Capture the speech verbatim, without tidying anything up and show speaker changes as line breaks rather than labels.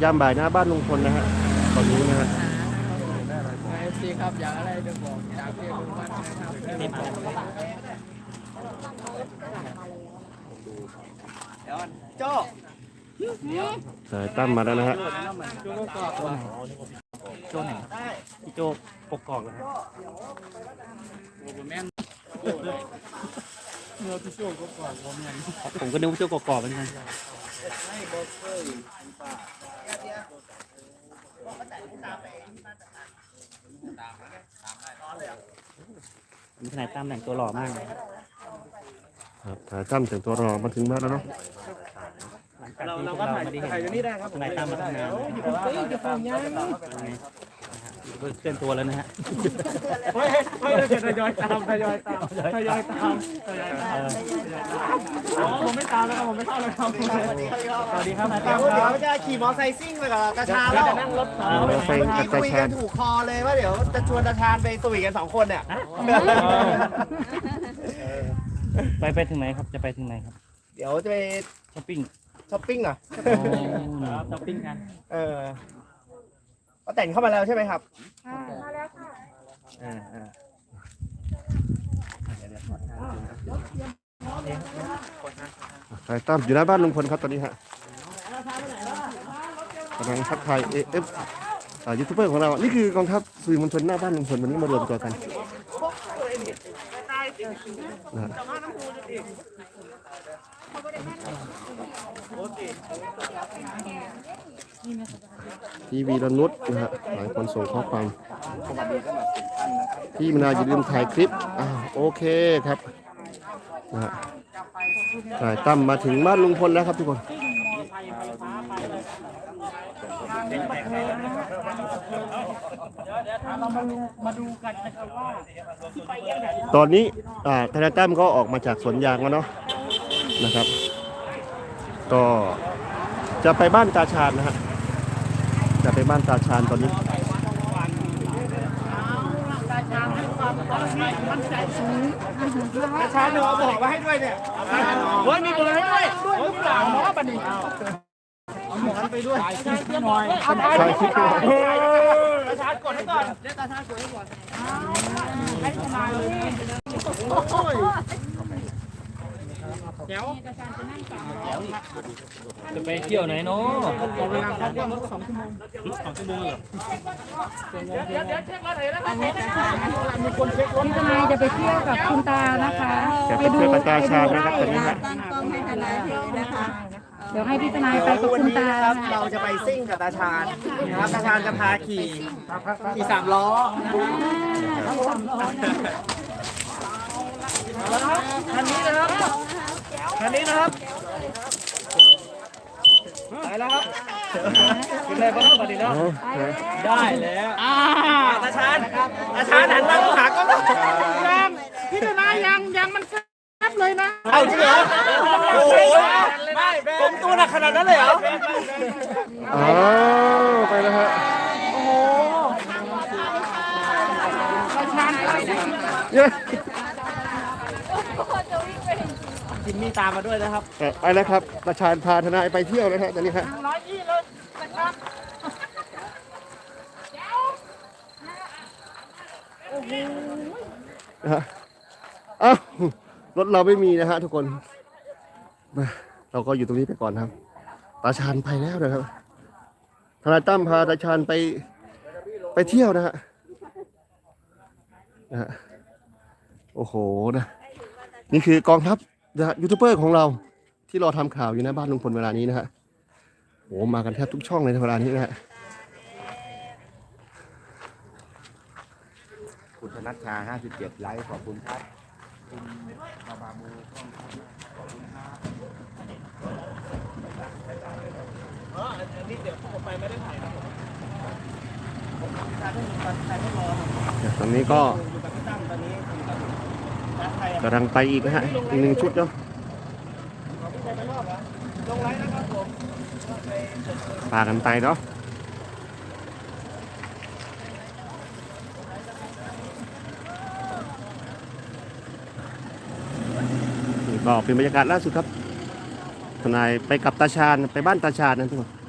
ยามบ่ายหน้าบ้านลุงพลนะฮะตอนนี้นะฮะ
เอฟซีครับอยากอะไรจะบอกจากพี่ลุงพันธ์นะครับนี่มาเดี๋ยวโจ้
สายตั้มมาแล้วนะฮะ
โจ้ก็กรอบโจ้ไหนพี่โจ้ปกกรอบนะครับโอ้โหแม่นเนื้อพี่โจ้กรอบผมยังผมก็นึกว่าโจ้กรอบเหมือนกันมีทนายตั้มแต่งตัวหล่อมากเลย
ครับสายตั้มแต่งตัวรอมาถึงบ้านแล้วเนาะ
เราเราก็ถ่ายถ่ายอยู่นี่ได้ครับทนายตั้มมาทำงานเฮ้ยจะฟังยังเคลื่อนตัวแล้วนะฮะเฮ้ยเฮ้ยทยอยตามทยอยตามทยอยตามทยอยตามอ๋อผมไม่ตามแล้วครับผมไม่เข้าเลยครับสวัสดีครับ
เดี๋ยวเดี๋ยวจะขี่มอไซค์ซิ่งไปกับตาชาแล้ว
นั่งรถ
เมื่อกี้
คุยกันถูกคอเลยว่าเดี๋ยวจะชวนตาชาไปสวีทกันสองคนเนี่ย
ไปไปถึงไหนครับจะไปถึงไหนครับ
เดี๋ยวจะไป
ช้อปปิ้ง
ช้อปปิ้งเหรอ
ช้อปปิ้งกัน
เออก็แต่งเข้ามาแล้วใช่ไหมครับ
มาแล้วค่ะ
อ่าอ่า
สายตั้มอยู่หน้าบ้านลุงพลครับตอนนี้ฮะกำลังทักทายเอฟยูทูบเบอร์ของเรานี่คือกองทัพสื่อมวลชนหน้าบ้านลุงพลวันนี้มารวมตัวกันนะพี่วีรนุชนะฮะหลายคนส่งข้อความพี่มนาอย่าลืมถ่ายคลิปอ่าโอเคครับนะฮะสายตั้มมาถึงบ้านลุงพลแล้วครับทุกคนตอนนี้ทนายตั้มก็ออกมาจากสวนยางแล้วเนาะนะครับก็จะไปบ้านตาชาญนะฮะจะไปบ้านตาชาญตอนนี้
ตาชาเนาะบอกมาให้ด้วยเนี่ยเฮ้ยมีเบอร์ให้ด้วยด้วยหรือเปล่าเนาะบัดนี้เอาหมอนไปด้วยหน่อย
ใช่คิดว่า
ตาชาญกดให้ก่อนเรียกตาชาญกดให้ก่อนให้ทนายเลย
เดี๋ยวจะไปเที่ยวไหนเนาะเวลาเขาเที่ยวรถสองชั่วโมงสองชั่วโมงเหรอ
เดี๋ยวเดี๋ยวเช็ครถเลยนะ
มีคนเช็ครถทนายจะไปเที่ยวกับคุณตานะคะ
จะไปเที่ยวกับตาชาญนะครับตอนนี้ฮะ
ตั้งกล้องให้ทนายถือนะคะเดี๋ยวให้พี่ทนายไปกับคุณตา
ครับเราจะไปซิ่งกับตาชาญนะครับตาชาญจะพาขี่ขี่สามล้อคันนี้นะครับคันนี้นะครับไปแล้วครับกินอะไรบ้างก่อนดีเนาะได้แล้วตาชาญตาชาญหันมาหาก็ยังพี่ทนายยังยังมันแคบเลยนะเอาจริงเหรอโอ้ยไม่ผมตัวหนักขนาดนั้นเลยเหรอ
อ๋อไปแล้วฮะ
โอ้โหตาชาญจิมมี่ตามมาด้วยนะครับ
ไปแล้วครับตาชาญพาทนายไปเที่ยวนะฮะตอนนี้ฮะ
ร้อยยี่เลยนะครับโอ้โห
อ้าวรถเราไม่มีนะฮะทุกคนเราก็อยู่ตรงนี้ไปก่อนครับตาชาญไปแล้วนะครับทนายตั้มพาตาชาญไปไปเที่ยวนะฮะนะฮะโอ้โหนะนี่คือกองทัพยูทูบเบอร์ของเราที่รอทำข่าวอยู่ในบ้านลุงพลเวลานี้นะฮะโอ้มากันแทบทุกช่องเลยในเวลานี้นะฮะ
คุณธนัชชาห้าสิบเจ็ดไลค์ขอบคุณครับบาบามูขอบคุณครับ
อ๋ออันนี้เดี๋ยวผมไปไม่ได้ถ่ายครับ
ตอนนี้ก็กำลังไปอีกนะฮะอีกหนึ่งชุดเนาะพากันไปเนาะนี่ก็เป็นบรรยากาศล่าสุดครับทนายไปกับตาชาญไปบ้านตาชาญนะทุกคน